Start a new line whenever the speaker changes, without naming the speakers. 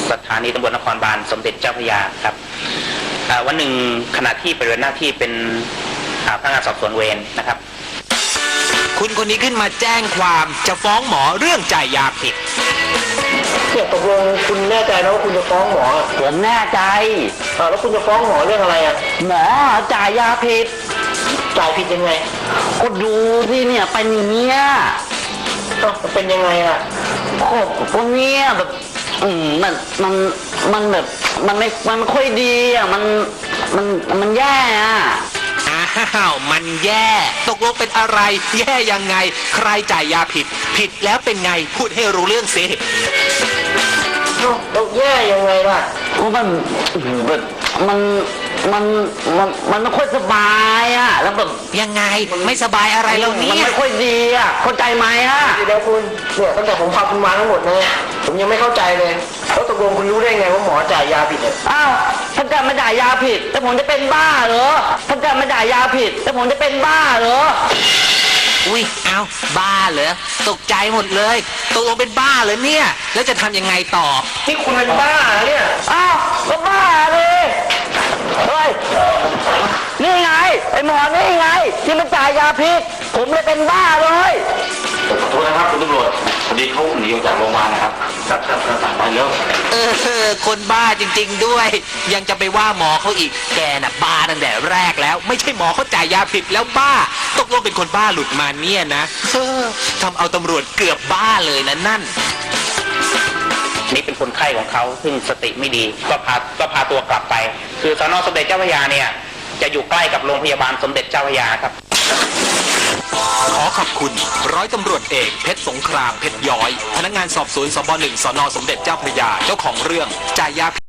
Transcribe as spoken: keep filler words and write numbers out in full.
สถานีตำรวจนครบาลสมเด็จเจ้าพระยาครับวันหนึ่งขณะที่ปฏิบัติหน้าที่เป็นพนักงานสอบสวนเวรนะครับ
คุณคนนี้ขึ้นมาแจ้งความจะฟ้องหมอเรื่องจ่ายยาผิด
เนี่ยตกลงคุณแน่ใจนะว่าคุณจะฟ้องหมอ
ผมแน่ใจ
อ่าแล้วคุณจะฟ้องหมอเรื่องอะไรอ่ะ
หมอจ่ายยาผิด
จ่ายผิดยังไง
ก็ดูที่เนี่ยเป็นอย่างเงี้ย
เป็นยังไงอ่ะ
ก็พวกเนี้ยแบบอืมมันมันมันแบบมันไม่มันไม่ค่อยดีอ่ะมันมันมันแย่อ่ะ
อ้าวมันแย่ตกลงเป็นอะไรแย่ยังไงใครจ่ายยาผิดผิดแล้วเป็นไงพูดให้รู้เรื่องสิ
เราแย่ยังไงล่ะ
มันแบบมันมันมันมันไม่ค่อยสบายอ่ะแล้วแบบ
ยังไงไม่สบายอะไรแล้วเนี่ย
มันไม่ค่อยดีอ่ะเข้าใจไหมอ่ะ
เดี๋ยวคุณเนี่ยตั้งแต่ผมพาคุณมาทั้งหมดนะผมยังไม่เข้าใจเลยแล้วตกลงคุณรู้ได้ไงว่าหมอจ่ายยาผิดเนี่ย
อ้าวถ้าเกิดไม่จ่ายยาผิดแล้วผมจะเป็นบ้าเหรอถ้าเกิดไม่จ่ายยาผิดแล้วผมจะเป็นบ้าเหรอ
อุ้ยเอาบ้าเหรอตกใจหมดเลยตกลงเป็นบ้าเหรอเนี่ยแล้วจะทำยังไงต่อ
ที่คุณเป็นบ้าเนี่ย
อ้าวก็บ้าเลยเฮ้ยนี่ไงไอหมอนี่ไงที่มันจ่ายยาพิษผมเลยเป็นบ้าเลย
ขอโทษนะครับคุณตำรวจพอดีเขาหนีออกจากโรงพยาบาลนะครับครับครับครับไปแล้ว
เออคนบ้าจริงๆด้วยยังจะไปว่าหมอเขาอีกแกน่ะบ้าตั้งแต่แรกแล้วไม่ใช่หมอเขาจ่ายยาผิดแล้วบ้าตกลงเป็นคนบ้าหลุดมาเนี่ยนะเออทำเอาตำรวจเกือบบ้าเลยนะนั่น
นี่เป็นคนไข้ของเขาซึ่งสติไม่ดีก็พาก็พาตัวกลับไปคือสน.สมเด็จเจ้าพระยาเนี่ยจะอยู่ใกล้กับโรงพยาบาลสมเด็จเจ้าพระยาครับ
ขอขอบคุณร้อยตำรวจเอกเพชรสงครามเพชรย้อยพนักงานสอบสวนสบหนึ่งสน.สมเด็จเจ้าพระยาเจ้าของเรื่องจ่ายยา